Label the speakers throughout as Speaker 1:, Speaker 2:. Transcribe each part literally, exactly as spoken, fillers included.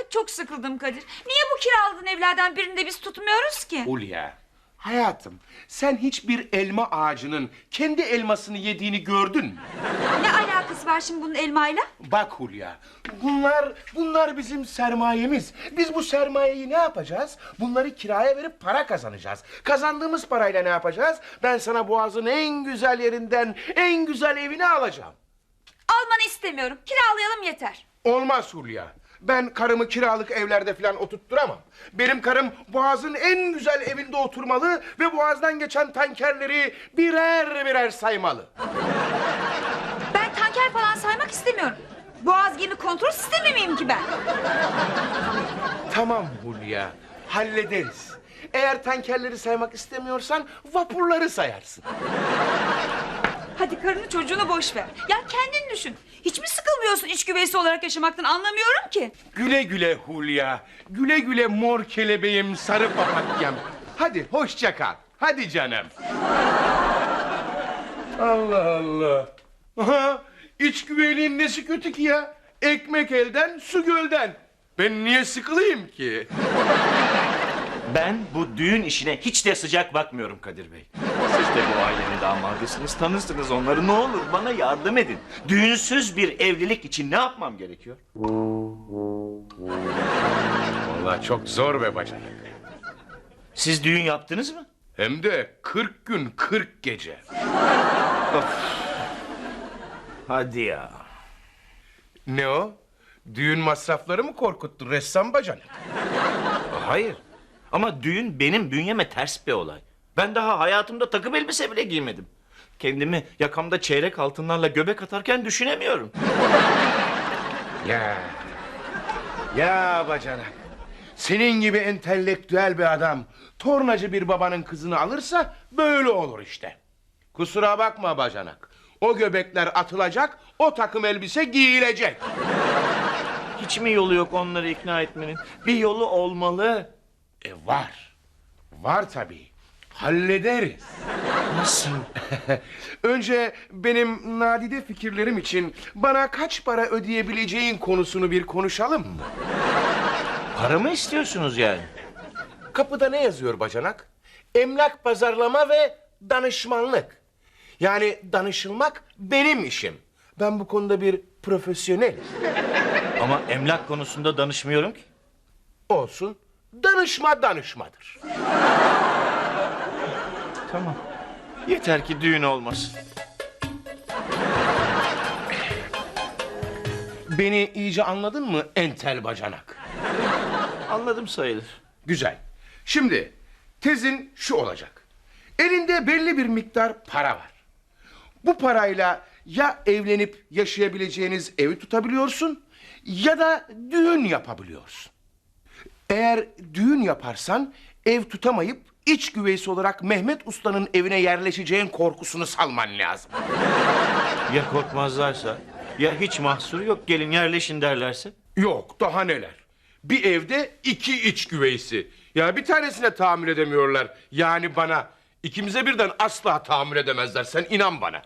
Speaker 1: artık çok sıkıldım Kadir. Niye bu kiraladığın evlerden birinde biz tutmuyoruz ki?
Speaker 2: Hulya, hayatım, sen hiçbir elma ağacının kendi elmasını yediğini gördün mü?
Speaker 1: Ne alakası var şimdi bunun elmayla?
Speaker 2: Bak Hulya, bunlar bunlar bizim sermayemiz. Biz bu sermayeyi ne yapacağız? Bunları kiraya verip para kazanacağız. Kazandığımız parayla ne yapacağız? Ben sana Boğaz'ın en güzel yerinden en güzel evini alacağım.
Speaker 1: Almanı istemiyorum. Kiralayalım yeter.
Speaker 2: Olmaz Hulya. Ben karımı kiralık evlerde falan oturtturamam. Benim karım Boğaz'ın en güzel evinde oturmalı ve Boğaz'dan geçen tankerleri birer birer saymalı.
Speaker 1: Ben tanker falan saymak istemiyorum. Boğaz gemi kontrol sistemi miyim ki ben?
Speaker 2: Tamam Hulya, hallederiz. Eğer tankerleri saymak istemiyorsan vapurları sayarsın.
Speaker 1: Hadi karını çocuğunu boş ver. Ya kendin düşün. Hiç mi sıkılmıyorsun iç güveysi olarak yaşamaktan, anlamıyorum ki.
Speaker 2: Güle güle Hulya, güle güle mor kelebeğim, sarı papatyam. Hadi hoşça kal, hadi canım. Allah Allah. Aha, iç güveyliğin nesi kötü ki ya? Ekmek elden, su gölden. Ben niye sıkılayım ki?
Speaker 3: Ben bu düğün işine hiç de sıcak bakmıyorum Kadir Bey. Siz de bu ailenin damadısınız, tanırsınız onları. Ne olur bana yardım edin. Düğünsüz bir evlilik için ne yapmam gerekiyor?
Speaker 2: Vallahi çok zor be bacanak.
Speaker 3: Siz düğün yaptınız mı?
Speaker 2: Hem de kırk gün kırk gece.
Speaker 3: Hadi ya.
Speaker 2: Ne o? Düğün masrafları mı korkuttu ressam bacanak?
Speaker 3: Hayır. Ama düğün benim bünyeme ters bir olay. Ben daha hayatımda takım elbise bile giymedim. Kendimi yakamda çeyrek altınlarla göbek atarken düşünemiyorum.
Speaker 2: Ya. Ya bacanak. Senin gibi entelektüel bir adam tornacı bir babanın kızını alırsa böyle olur işte. Kusura bakma bacanak. O göbekler atılacak, o takım elbise giyilecek.
Speaker 3: Hiç mi yolu yok onları ikna etmenin? Bir yolu olmalı.
Speaker 2: E var. Var tabii. Hallederiz.
Speaker 3: Nasıl?
Speaker 2: Önce benim nadide fikirlerim için bana kaç para ödeyebileceğin konusunu bir konuşalım mı?
Speaker 3: Para mı istiyorsunuz yani?
Speaker 2: Kapıda ne yazıyor bacanak? Emlak pazarlama ve danışmanlık. Yani danışılmak benim işim. Ben bu konuda bir profesyonelim.
Speaker 3: Ama emlak konusunda danışmıyorum ki.
Speaker 2: Olsun. Danışma danışmadır.
Speaker 3: Tamam. Yeter ki düğün olmasın.
Speaker 2: Beni iyice anladın mı entel bacanak?
Speaker 3: Anladım sayılır.
Speaker 2: Güzel. Şimdi tezin şu olacak. Elinde belli bir miktar para var. Bu parayla ya evlenip yaşayabileceğiniz evi tutabiliyorsun ya da düğün yapabiliyorsun. Eğer düğün yaparsan ev tutamayıp iç güveysi olarak Mehmet Usta'nın evine yerleşeceğin korkusunu salman lazım.
Speaker 3: Ya korkmazlarsa? Ya hiç mahsur yok gelin yerleşin derlerse?
Speaker 2: Yok daha neler. Bir evde iki iç güveysi. Ya bir tanesine tahammül edemiyorlar. Yani bana. İkimize birden asla tahammül edemezler. Sen inan bana.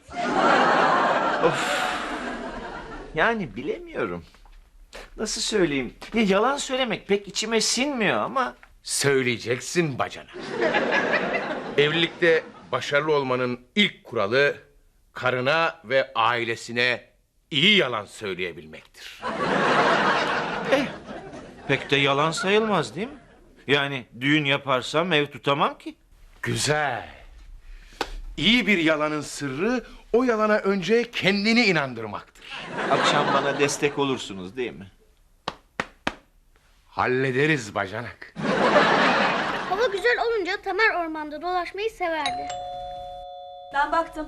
Speaker 3: Yani bilemiyorum. Nasıl söyleyeyim? Ya yalan söylemek pek içime sinmiyor ama...
Speaker 2: Söyleyeceksin bacana. Evlilikte başarılı olmanın ilk kuralı karına ve ailesine iyi yalan söyleyebilmektir.
Speaker 3: Eh, pek de yalan sayılmaz değil mi? Yani düğün yaparsam ev tutamam ki.
Speaker 2: Güzel. İyi bir yalanın sırrı o yalana önce kendini inandırmaktır.
Speaker 3: Akşam bana destek olursunuz değil mi?
Speaker 2: Hallederiz bacanak.
Speaker 4: Hava güzel olunca Tamer ormanda dolaşmayı severdi.
Speaker 1: Ben baktım.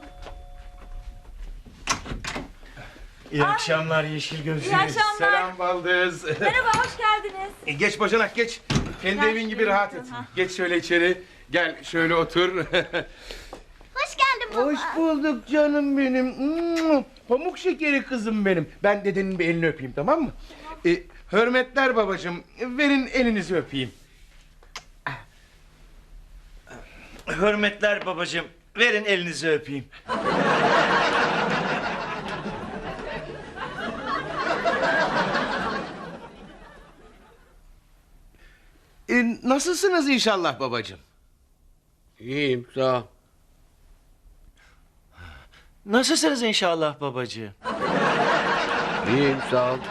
Speaker 3: İyi akşamlar Yeşil Gözlü.
Speaker 1: İyi akşamlar.
Speaker 2: Selam baldız.
Speaker 1: Merhaba, hoş geldiniz.
Speaker 2: E, geç bacanak geç. Kendi
Speaker 1: Gel
Speaker 2: evin gibi
Speaker 1: şuraya
Speaker 2: rahat
Speaker 1: otur,
Speaker 2: et.
Speaker 1: ha.
Speaker 2: Geç şöyle içeri. Gel şöyle otur.
Speaker 4: Hoş geldin baba.
Speaker 2: Hoş bulduk canım benim. Mm, Pamuk şekeri kızım benim. Ben dedenin bir elini öpeyim, tamam mı? E, hürmetler babacığım. Verin elinizi öpeyim.
Speaker 3: Hürmetler babacığım. Verin elinizi öpeyim.
Speaker 2: E, nasılsınız inşallah babacığım?
Speaker 5: İyiyim sağ ol.
Speaker 3: Nasılsınız inşallah babacığım?
Speaker 5: İyiyim sağ ol.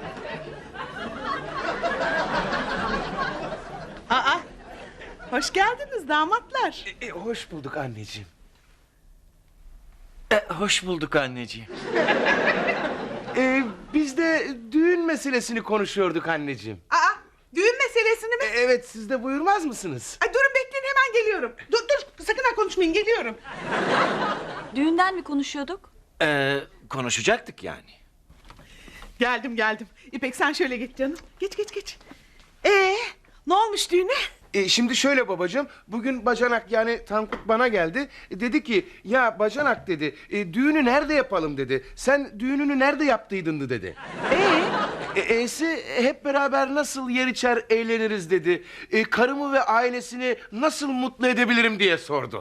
Speaker 6: Aa, hoş geldiniz damatlar.
Speaker 2: E, hoş bulduk anneciğim.
Speaker 3: E, hoş bulduk anneciğim.
Speaker 2: E, biz de düğün meselesini konuşuyorduk anneciğim.
Speaker 6: Aa, düğün meselesini mi?
Speaker 2: E, evet, siz de buyurmaz mısınız?
Speaker 6: Ay, durun bekleyin, hemen geliyorum. Dur dur, sakın ha konuşmayın, geliyorum.
Speaker 1: Düğünden mi konuşuyorduk?
Speaker 3: Ee, konuşacaktık yani.
Speaker 6: Geldim geldim. İpek sen şöyle geç canım. Geç geç geç. Ee, ne olmuş düğüne?
Speaker 2: E, şimdi şöyle babacığım, bugün bacanak yani Tankut bana geldi. E, dedi ki ya bacanak dedi, e, düğünü nerede yapalım dedi. Sen düğününü nerede yaptıydın dedi.
Speaker 6: Ee,
Speaker 2: E, E'si hep beraber nasıl yer içer eğleniriz dedi. E, karımı ve ailesini nasıl mutlu edebilirim diye sordu.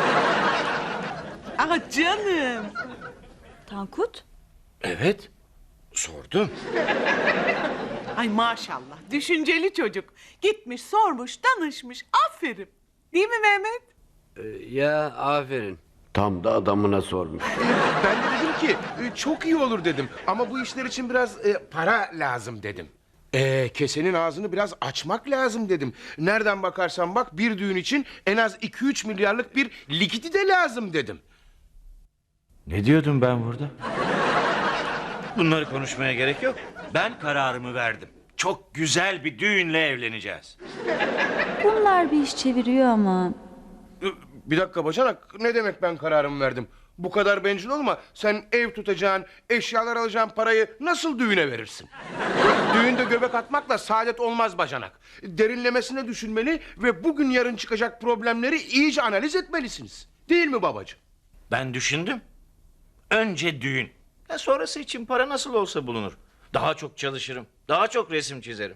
Speaker 6: ah canım.
Speaker 1: Tankut?
Speaker 2: Evet, sordum.
Speaker 6: Ay maşallah, düşünceli çocuk. Gitmiş, sormuş, danışmış. Aferin. Değil mi Mehmet?
Speaker 5: Ee, ya aferin. Tam da adamına sormuş.
Speaker 2: Ben de dedim ki e, çok iyi olur dedim. Ama bu işler için biraz e, para lazım dedim. E, kesenin ağzını biraz açmak lazım dedim. Nereden bakarsan bak bir düğün için en az iki üç milyarlık bir likidi de lazım dedim.
Speaker 3: Ne diyordum ben burada? Bunları konuşmaya gerek yok. Ben kararımı verdim. Çok güzel bir düğünle evleneceğiz.
Speaker 7: Bunlar bir iş çeviriyor ama.
Speaker 2: E, Bir dakika bacanak, ne demek ben kararımı verdim? Bu kadar bencil olma. Sen ev tutacağın, eşyalar alacağın parayı nasıl düğüne verirsin? Düğünde göbek atmakla saadet olmaz bacanak. Derinlemesine düşünmeli ve bugün yarın çıkacak problemleri iyice analiz etmelisiniz. Değil mi babacığım?
Speaker 3: Ben düşündüm. Önce düğün. Ya sonrası için para nasıl olsa bulunur. Daha çok çalışırım. Daha çok resim çizerim.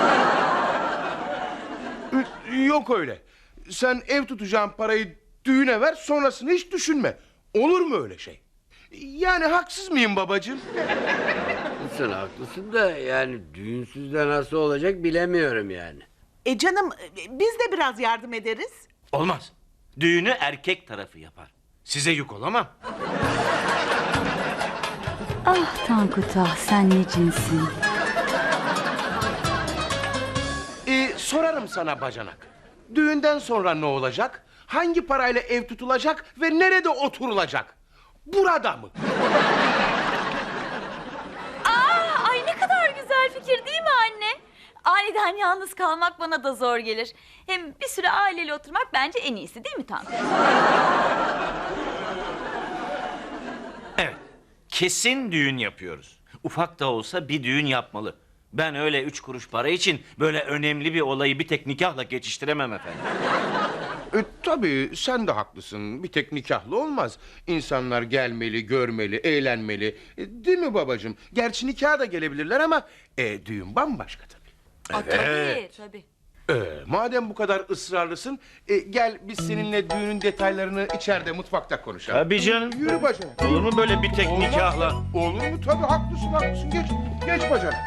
Speaker 2: Yok öyle. Sen ev tutacağın parayı düğüne ver, sonrasını hiç düşünme. Olur mu öyle şey? Yani haksız mıyım babacığım?
Speaker 5: Sen haklısın da yani düğünsüz de nasıl olacak bilemiyorum yani.
Speaker 6: E canım, biz de biraz yardım ederiz.
Speaker 3: Olmaz. Düğünü erkek tarafı yapar. Size yük olamam.
Speaker 7: Ah Tankut ah, sen ne cinsin.
Speaker 2: Ee, sorarım sana bacanak. Düğünden sonra ne olacak? Hangi parayla ev tutulacak ve nerede oturulacak? Burada mı?
Speaker 8: Aa, ay ne kadar güzel fikir değil mi anne? Aniden yalnız kalmak bana da zor gelir. Hem bir süre aileyle oturmak bence en iyisi değil mi Tankut?
Speaker 3: Evet. Kesin düğün yapıyoruz. Ufak da olsa bir düğün yapmalı. Ben öyle üç kuruş para için böyle önemli bir olayı bir tek nikahla geçiştiremem efendim.
Speaker 2: E, tabii sen de haklısın. Bir tek nikahlı olmaz. İnsanlar gelmeli, görmeli, eğlenmeli. E, değil mi babacığım? Gerçi nikaha da gelebilirler ama e, düğün bambaşka tabii.
Speaker 8: Aa, tabii tabii.
Speaker 2: E, madem bu kadar ısrarlısın, e, gel biz seninle düğünün detaylarını içeride mutfakta konuşalım.
Speaker 3: Tabii canım.
Speaker 2: Yürü bacanak.
Speaker 3: Olur mu böyle bir tek
Speaker 2: Olmaz.
Speaker 3: nikahla?
Speaker 2: Olur mu? Tabii haklısın haklısın. Geç, geç bacanak.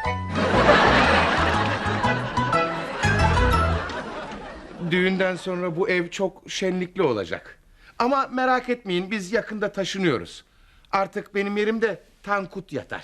Speaker 2: Düğünden sonra bu ev çok şenlikli olacak. Ama merak etmeyin, biz yakında taşınıyoruz. Artık benim yerimde Tankut yatar.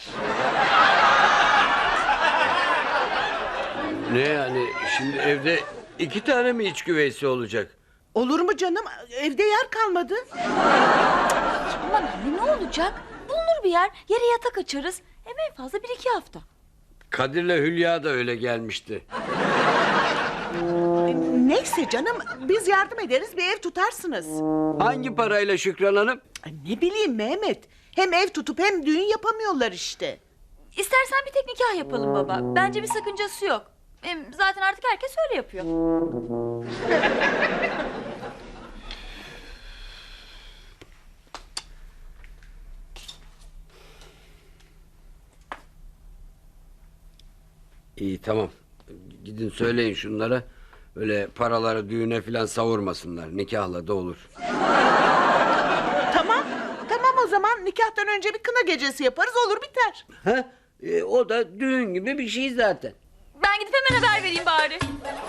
Speaker 5: Ne yani şimdi evde iki tane mi iç güveysi olacak?
Speaker 6: Olur mu canım? Evde yer kalmadı.
Speaker 8: Aman anne ne olacak? Bulunur bir yer. Yere yatak açarız. Hem en fazla bir iki hafta.
Speaker 5: Kadir'le Hülya da öyle gelmişti.
Speaker 6: Neyse canım, biz yardım ederiz, bir ev tutarsınız.
Speaker 5: Hangi parayla Şükran Hanım?
Speaker 6: Ay, ne bileyim Mehmet. Hem ev tutup hem düğün yapamıyorlar işte.
Speaker 8: İstersen bir tek nikah yapalım baba. Bence bir sakıncası yok. Hem zaten artık herkes öyle yapıyor.
Speaker 5: İyi tamam. Gidin söyleyin şunlara. Öyle paraları düğüne filan savurmasınlar. Nikahla da olur.
Speaker 6: Tamam, tamam o zaman nikahtan önce bir kına gecesi yaparız, olur biter.
Speaker 5: Ha? E, o da düğün gibi bir şey zaten.
Speaker 8: Ben Ben gidip hemen haber vereyim bari.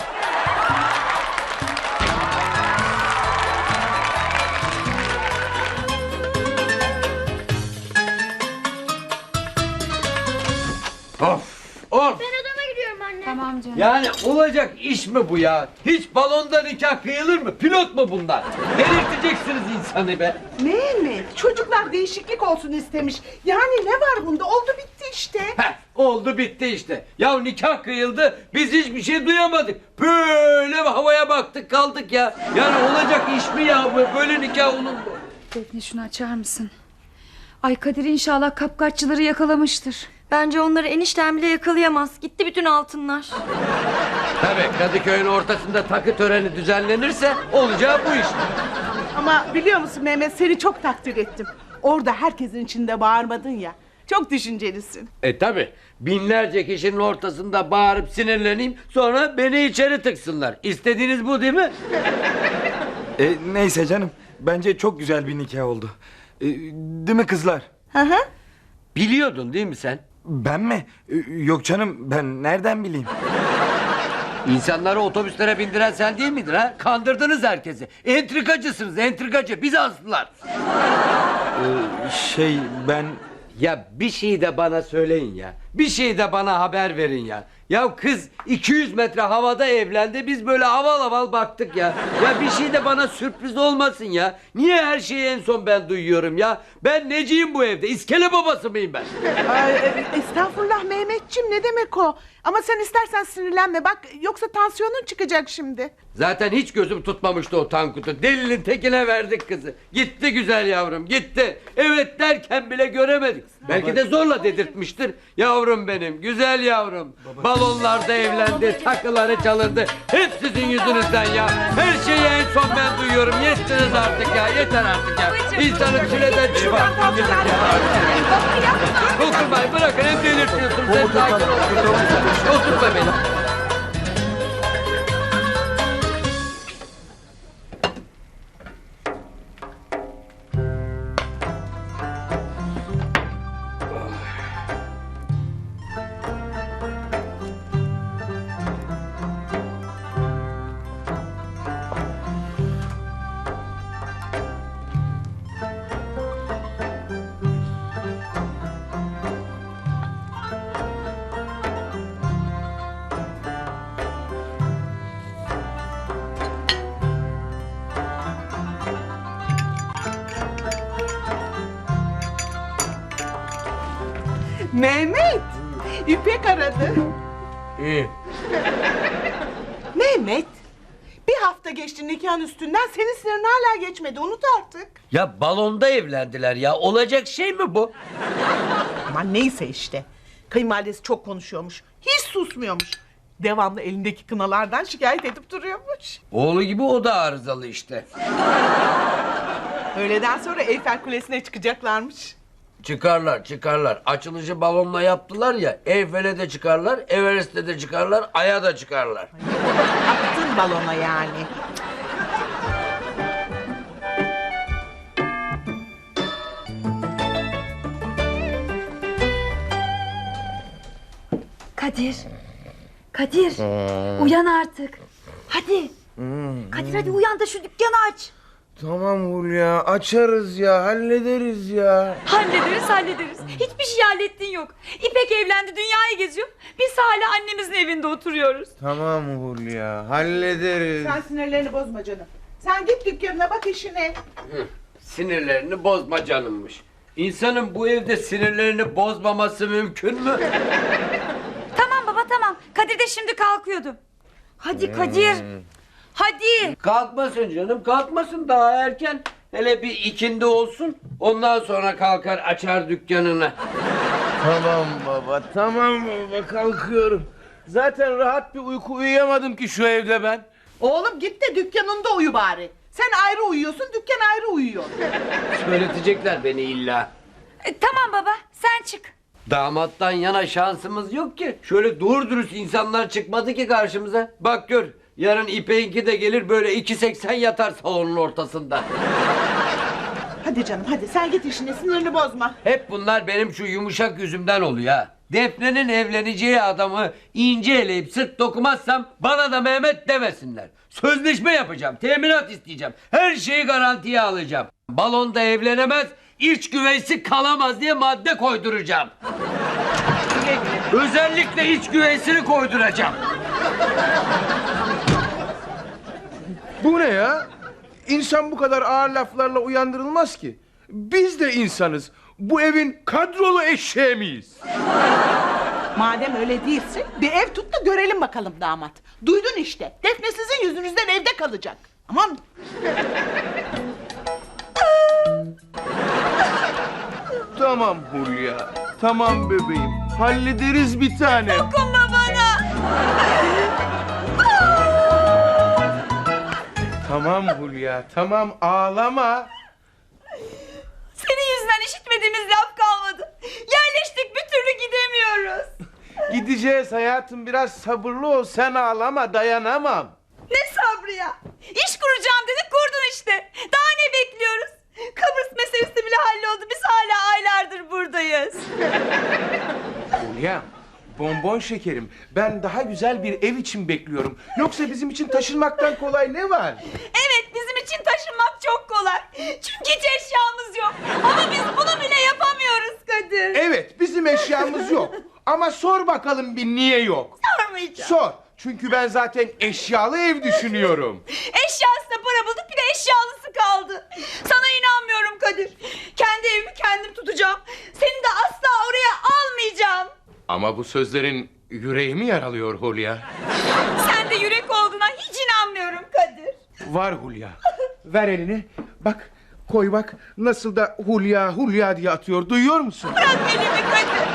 Speaker 5: Of of.
Speaker 4: Ben odama gidiyorum anne.
Speaker 1: Tamam canım.
Speaker 5: Yani olacak iş mi bu ya? Hiç balonda nikah kıyılır mı? Pilot mu bunlar? Delirteceksiniz insanı be.
Speaker 6: Mehmet, çocuklar değişiklik olsun istemiş. Yani ne var bunda? Oldu bitti işte.
Speaker 5: Heh, oldu bitti işte. Ya nikah kıyıldı, biz hiçbir şey duyamadık. Böyle havaya baktık kaldık ya. Yani olacak iş mi ya bu? Böyle nikah olur mu?
Speaker 1: Defne şunu açar mısın? Ay Kadir inşallah kapkaççıları yakalamıştır.
Speaker 9: Bence onları eniştem bile yakalayamaz. Gitti bütün altınlar.
Speaker 5: Tabii Kadıköy'ün ortasında takı töreni düzenlenirse olacağı bu iş.
Speaker 6: Ama biliyor musun Mehmet, seni çok takdir ettim. Orada herkesin içinde bağırmadın ya. Çok düşüncelisin.
Speaker 5: E tabi binlerce kişinin ortasında bağırıp sinirleneyim, sonra beni içeri tıksınlar. İstediğiniz bu değil mi?
Speaker 10: E, neyse canım. Bence çok güzel bir nikah oldu. E, değil mi kızlar?
Speaker 6: Hı hı.
Speaker 5: Biliyordun değil mi sen?
Speaker 10: Ben mi? E, yok canım, ben nereden bileyim?
Speaker 5: İnsanları otobüslere bindiren sen değil miydin ha? Kandırdınız herkesi. Entrikacısınız, entrikacı. Bizi astılar.
Speaker 10: E, şey ben...
Speaker 5: Ya bir şey de bana söyleyin ya. Bir şey de bana haber verin ya. Ya kız iki yüz metre havada evlendi. Biz böyle haval haval baktık ya. Ya bir şey de bana sürpriz olmasın ya. Niye her şeyi en son ben duyuyorum ya? Ben neciyim bu evde? İskele babası mıyım ben?
Speaker 6: Ay, e, estağfurullah Mehmetciğim, ne demek o? Ama sen istersen sinirlenme bak, yoksa tansiyonun çıkacak şimdi.
Speaker 5: Zaten hiç gözüm tutmamıştı o Tankut'u. Delinin tekine verdik kızı. Gitti güzel yavrum, gitti. Evet derken bile göremedik. Belki de zorla dedirtmiştir. Yavrum benim, güzel yavrum. Balonlarda evlendi, takıları çalındı. Hep sizin yüzünüzden ya. Her şeyi en son ben duyuyorum. Yettiniz artık ya, yeter artık ya. İnsanın çileden çıkar. Dokunmayın, bırakın, hep delirtiyorsunuz. Hep sakin olun. Oturma beni.
Speaker 6: Mehmet, İpek aradı.
Speaker 5: İyi.
Speaker 6: Mehmet, bir hafta geçti nikahın üstünden, senin sinirin hala geçmedi, unut artık.
Speaker 5: Ya balonda evlendiler ya. Olacak şey mi bu?
Speaker 6: Aman neyse işte. Kayınvalidesi çok konuşuyormuş, hiç susmuyormuş. Devamlı elindeki kınalardan şikayet edip duruyormuş.
Speaker 5: Oğlu gibi o da arızalı işte.
Speaker 6: Öğleden sonra Eyfel Kulesi'ne çıkacaklarmış.
Speaker 5: Çıkarlar çıkarlar. Açılışı balonla yaptılar ya. Eyfel'e de çıkarlar, Everest'e de çıkarlar, Ay'a da çıkarlar.
Speaker 6: Attın balona yani.
Speaker 7: Kadir. Kadir. Uyan artık. Hadi. Kadir hadi uyan da şu dükkanı aç.
Speaker 2: Tamam Hulya, açarız ya, hallederiz ya.
Speaker 1: Hallederiz hallederiz. Hiçbir şey hallettiğin yok. İpek evlendi, dünyayı geziyor. Biz hala annemizin evinde oturuyoruz.
Speaker 2: Tamam Hulya, hallederiz.
Speaker 6: Sen sinirlerini bozma canım. Sen git dükkanına bak işine.
Speaker 5: Hı, sinirlerini bozma canımmış. İnsanın bu evde sinirlerini bozmaması mümkün mü?
Speaker 1: Tamam baba tamam. Kadir de şimdi kalkıyordu. Hadi Kadir. Hadi.
Speaker 5: Kalkmasın canım, kalkmasın, daha erken. Hele bir ikindi olsun, ondan sonra kalkar açar dükkanını.
Speaker 2: Tamam baba, tamam baba, kalkıyorum. Zaten rahat bir uyku uyuyamadım ki şu evde ben.
Speaker 6: Oğlum git de dükkanında uyu bari. Sen ayrı uyuyorsun, dükkan ayrı uyuyor.
Speaker 5: Söyletecekler beni illa.
Speaker 1: E, tamam baba sen çık.
Speaker 5: Damattan yana şansımız yok ki. Şöyle doğru dürüst insanlar çıkmadı ki karşımıza. Bak gör, yarın İpek'inki de gelir, böyle iki seksen yatar salonun ortasında.
Speaker 6: Hadi canım hadi, sen git işine, sinirini bozma.
Speaker 5: Hep bunlar benim şu yumuşak yüzümden oluyor ha. Defne'nin evleneceği adamı ince eleyip sırt dokumazsam bana da Mehmet demesinler. Sözleşme yapacağım, teminat isteyeceğim. Her şeyi garantiye alacağım. Balonda evlenemez, iç güveysi kalamaz diye madde koyduracağım. Özellikle iç güveysini koyduracağım.
Speaker 2: Bu ne ya? İnsan bu kadar ağır laflarla uyandırılmaz ki. Biz de insanız. Bu evin kadrolu eşeği miyiz?
Speaker 6: Madem öyle değilsin bir ev tut da görelim bakalım damat. Duydun işte. Defne sizin yüzünüzden evde kalacak. Aman.
Speaker 2: Tamam Hulya. Tamam bebeğim. Hallederiz bir tane.
Speaker 1: Dokunma bana.
Speaker 2: Tamam Hulya. Tamam ağlama.
Speaker 1: Senin yüzünden işitmediğimiz laf kalmadı. Yerleştik bir türlü gidemiyoruz.
Speaker 2: Gideceğiz hayatım. Biraz sabırlı ol. Sen ağlama. Dayanamam.
Speaker 1: Ne sabrı ya? İş kuracağım dedik kurdun işte. Daha ne bekliyoruz? Kıbrıs meselesi bile halloldu. Biz hala aylardır buradayız.
Speaker 2: Hulya. Bonbon şekerim. Ben daha güzel bir ev için bekliyorum. Yoksa bizim için taşınmaktan kolay ne var?
Speaker 1: Evet bizim için taşınmak çok kolay. Çünkü hiç eşyamız yok. Ama biz bunu bile yapamıyoruz Kadir.
Speaker 2: Evet bizim eşyamız yok. Ama sor bakalım bir niye yok?
Speaker 1: Sormayacağım.
Speaker 2: Sor. Çünkü ben zaten eşyalı ev düşünüyorum.
Speaker 1: Eşyasına para bulduk bir de eşyalısı kaldı. Sana inanmıyorum Kadir. Kendi evimi kendim tutacağım. Seni de asla oraya almayacağım.
Speaker 2: Ama bu sözlerin yüreğimi yaralıyor Hulya.
Speaker 1: Sen de yürek olduğuna hiç inanmıyorum Kadir.
Speaker 2: Var Hulya. Ver elini. Bak koy bak nasıl da Hulya Hulya diye atıyor. Duyuyor musun?
Speaker 1: Bırak elimi Kadir.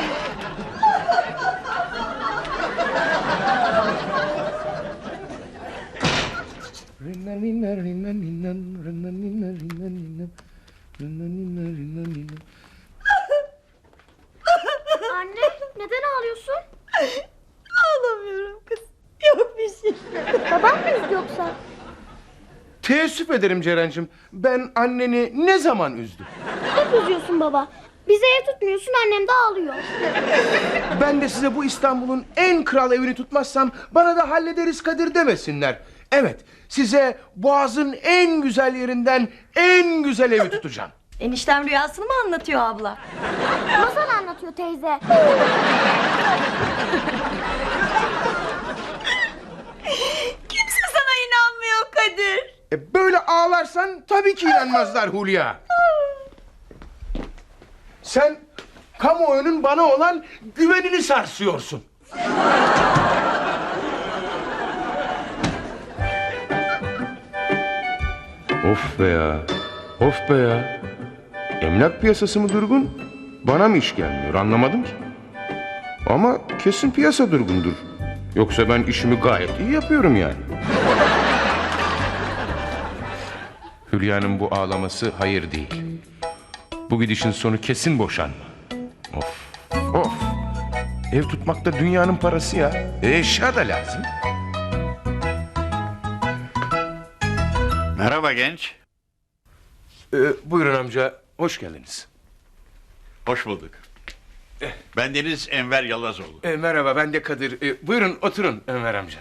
Speaker 4: Anne neden ağlıyorsun?
Speaker 1: Ağlamıyorum kız. Yok bir şey.
Speaker 4: Babam mı üzdü yoksa?
Speaker 2: Teessüf ederim Ceren'cim. Ben anneni ne zaman üzdüm?
Speaker 4: Hep üzüyorsun baba. Bize ev tutmuyorsun annem de ağlıyor.
Speaker 2: Ben de size bu İstanbul'un en kral evini tutmazsam bana da hallederiz Kadir demesinler. Evet size Boğaz'ın en güzel yerinden en güzel evi tutacağım.
Speaker 9: Eniştem rüyasını mı anlatıyor abla?
Speaker 4: Masal anlatıyor teyze.
Speaker 1: Kimse sana inanmıyor Kadir.
Speaker 2: E böyle ağlarsan tabii ki inanmazlar Hulya. Sen kamuoyunun bana olan güvenini sarsıyorsun. Of be ya. Of be ya. Emlak piyasası mı durgun? Bana mı iş gelmiyor anlamadım ki. Ama kesin piyasa durgundur. Yoksa ben işimi gayet iyi yapıyorum yani. Hülya'nın bu ağlaması hayır değil. Bu gidişin sonu kesin boşanma. Of of. Ev tutmak da dünyanın parası ya. E, eşya da lazım.
Speaker 11: Merhaba genç.
Speaker 2: Ee, buyurun amca, hoş geldiniz.
Speaker 11: Hoş bulduk. Ben Deniz Enver Yalazoğlu.
Speaker 2: Ee, merhaba, ben de Kadir. Ee, buyurun oturun Enver amca.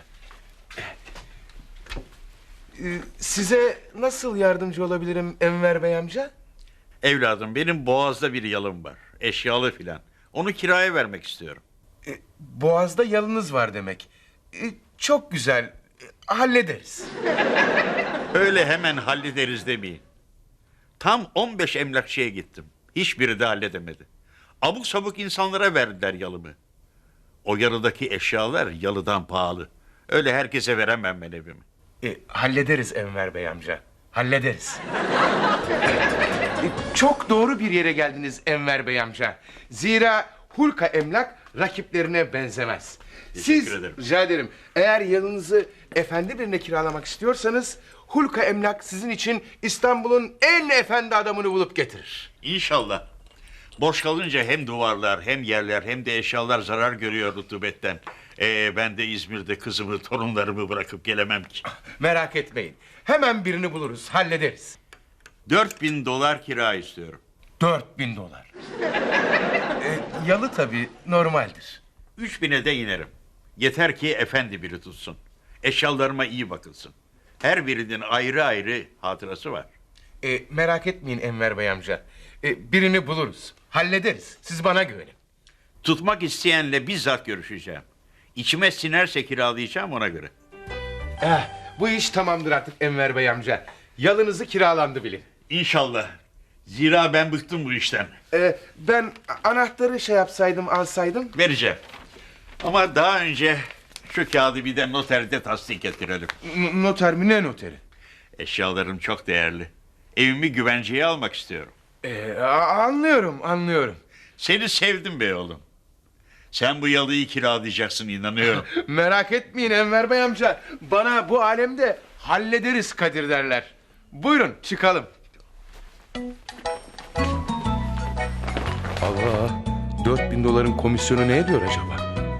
Speaker 2: Ee, size nasıl yardımcı olabilirim Enver Bey amca?
Speaker 11: Evladım benim Boğaz'da bir yalım var. Eşyalı filan. Onu kiraya vermek istiyorum.
Speaker 2: Ee, Boğaz'da yalınız var demek. Ee, çok güzel, ee, hallederiz.
Speaker 11: Öyle hemen hallederiz demeyin. Tam on beş emlakçıya gittim. Hiçbiri de halledemedi. Abuk sabuk insanlara verdiler yalımı. O yalıdaki eşyalar yalıdan pahalı. Öyle herkese veremem ben evimi.
Speaker 2: Ee, hallederiz Enver Bey amca, hallederiz. Ee, çok doğru bir yere geldiniz Enver Bey amca. Zira Hulka Emlak rakiplerine benzemez. Siz,
Speaker 11: Teşekkür ederim.
Speaker 2: rica ederim, eğer yalınızı efendi birine kiralamak istiyorsanız Hulka Emlak sizin için İstanbul'un en efendi adamını bulup getirir.
Speaker 11: İnşallah. Boş kalınca hem duvarlar hem yerler hem de eşyalar zarar görüyor rutubetten. Ee, ben de İzmir'de kızımı torunlarımı bırakıp gelemem ki.
Speaker 2: Merak etmeyin, hemen birini buluruz, hallederiz.
Speaker 11: Dört bin dolar kira istiyorum.
Speaker 2: Dört bin dolar. Ee, yalı tabii normaldir.
Speaker 11: Üç bine de inerim. Yeter ki efendi biri tutsun. Eşyalarıma iyi bakılsın. Her birinin ayrı ayrı hatırası var.
Speaker 2: E, merak etmeyin Enver Bey amca. E, birini buluruz. Hallederiz. Siz bana güvenin.
Speaker 11: Tutmak isteyenle bizzat görüşeceğim. İçime sinerse kiralayacağım ona göre.
Speaker 2: Eh, bu iş tamamdır artık Enver Bey amca. Yalınızı kiralandı bilin.
Speaker 11: İnşallah. Zira ben bıktım bu işten.
Speaker 2: E, ben anahtarı şey yapsaydım, alsaydım.
Speaker 11: Vereceğim. Ama daha önce şu kağıdı bir de noterde tasdik ettirelim.
Speaker 2: N- noter mi, ne noteri?
Speaker 11: Eşyalarım çok değerli. Evimi güvenceye almak istiyorum.
Speaker 2: E, a- anlıyorum, anlıyorum.
Speaker 11: Seni sevdim be oğlum. Sen bu yalıyı kiralayacaksın inanıyorum.
Speaker 2: Merak etmeyin Enver Bey amca. Bana bu alemde hallederiz Kadir derler. Buyurun çıkalım. Allah, dört bin doların komisyonu ne ediyor acaba?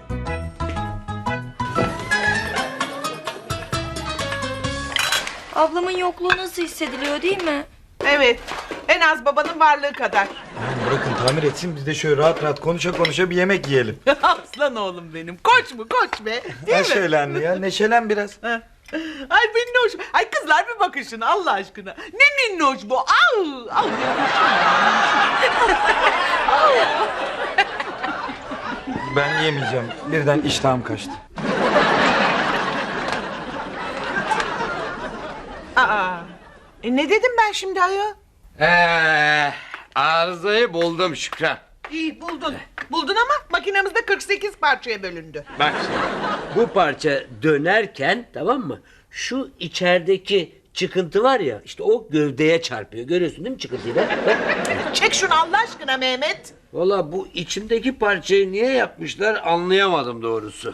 Speaker 9: Ablamın yokluğu nasıl hissediliyor değil mi?
Speaker 6: Evet. En az babanın varlığı kadar.
Speaker 10: Yani bırakın tamir etsin, biz de şöyle rahat rahat konuşa konuşa bir yemek yiyelim.
Speaker 6: Aslan oğlum benim. Koç mu koç be. Değil
Speaker 10: Ha
Speaker 6: mi?
Speaker 10: şöyle anne ya, neşelen biraz.
Speaker 6: Ha. Ay minnoş. Ay kızlar bir bakın şuna Allah aşkına. Ne minnoş bu. Al. Al.
Speaker 10: Ben yemeyeceğim, birden iştahım kaçtı.
Speaker 6: Aa. E ne dedim ben şimdi ayol?
Speaker 5: Ee, arızayı buldum Şükran.
Speaker 6: İyi buldun. Buldun ama makinemizde kırk sekiz parçaya bölündü.
Speaker 5: Bak şimdi, bu parça dönerken tamam mı? Şu içerideki çıkıntı var ya, işte o gövdeye çarpıyor. Görüyorsun değil mi çıkıntıyı da? Bak.
Speaker 6: Çek şunu Allah aşkına Mehmet.
Speaker 5: Valla bu içindeki parçayı niye yapmışlar anlayamadım doğrusu.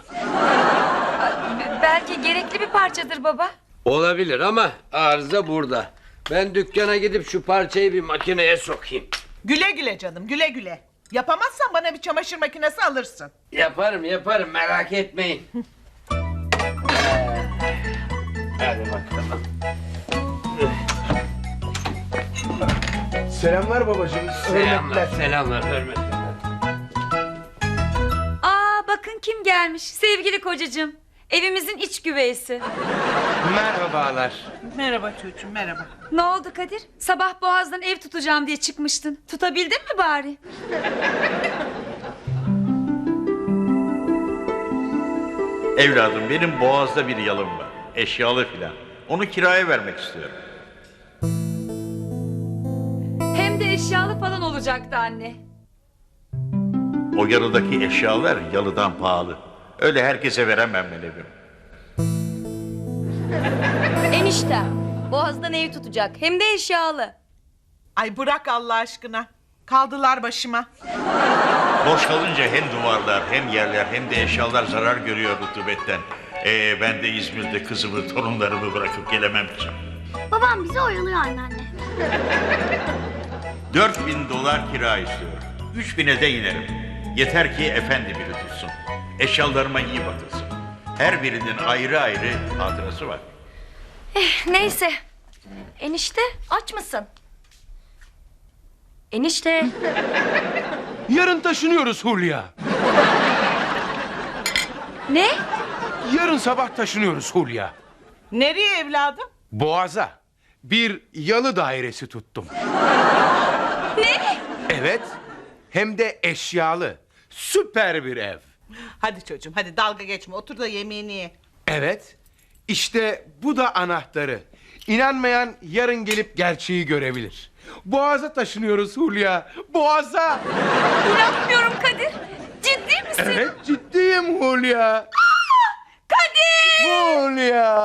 Speaker 7: Belki gerekli bir parçadır baba.
Speaker 5: Olabilir ama arıza burada. Ben dükkana gidip şu parçayı bir makineye sokayım.
Speaker 6: Güle güle canım güle güle. Yapamazsan bana bir çamaşır makinesi alırsın.
Speaker 5: Yaparım yaparım merak etmeyin. Ee, Hadi bakalım.
Speaker 2: Selamlar babacığım.
Speaker 5: Selamlar, selamlar, hürmetler.
Speaker 7: Aa bakın kim gelmiş. Sevgili kocacığım. Evimizin iç güveysi.
Speaker 2: Merhabalar.
Speaker 6: Merhaba çocuğum merhaba.
Speaker 7: Ne oldu Kadir? Sabah Boğaz'dan ev tutacağım diye çıkmıştın. Tutabildin mi bari?
Speaker 11: Evladım benim Boğaz'da bir yalım var. Eşyalı filan. Onu kiraya vermek istiyorum.
Speaker 7: Hem de eşyalı falan olacaktı anne.
Speaker 11: O yalıdaki eşyalar yalıdan pahalı. Öyle herkese veremem ben evimi.
Speaker 9: Enişte. Boğaz'dan ev tutacak. Hem de eşyalı.
Speaker 6: Ay bırak Allah aşkına. Kaldılar başıma.
Speaker 11: Boş kalınca hem duvarlar hem yerler hem de eşyalar zarar görüyor rutubetten. Ee, ben de İzmir'de kızımı torunlarımı bırakıp gelemem ki.
Speaker 4: Babam bizi oyalıyor anneanne.
Speaker 11: Dört bin dolar kira istiyorum. Üç bine de inerim. Yeter ki efendi biri tutsun. Eşyalarıma iyi bakılsın. Her birinin ayrı ayrı hatırası var.
Speaker 9: Neyse. Enişte aç mısın? Enişte.
Speaker 2: Yarın taşınıyoruz Hulya.
Speaker 7: Ne?
Speaker 2: Yarın sabah taşınıyoruz Hulya.
Speaker 6: Nereye evladım?
Speaker 2: Boğaz'a. Bir yalı dairesi tuttum.
Speaker 7: Ne?
Speaker 2: Evet. Hem de eşyalı. Süper bir ev.
Speaker 6: Hadi çocuğum hadi dalga geçme otur da yemeğini ye.
Speaker 2: Evet. İşte bu da anahtarı. İnanmayan yarın gelip gerçeği görebilir. Boğaz'a taşınıyoruz Hulya. Boğaz'a.
Speaker 7: İnanmıyorum Kadir. Ciddi misin?
Speaker 2: Evet ciddiyim Hulya.
Speaker 7: Kadir!
Speaker 2: Hulya.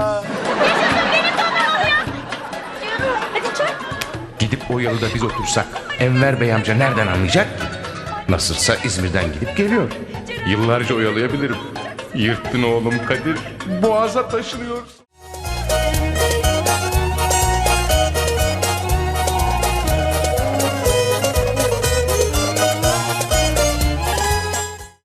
Speaker 7: Hadi çök.
Speaker 2: Gidip o yalıda biz otursak Enver Bey amca nereden anlayacak? Nasılsa İzmir'den gidip geliyor. Yıllarca oyalayabilirim. Yırttın oğlum Kadir. Boğaz'a taşınıyoruz.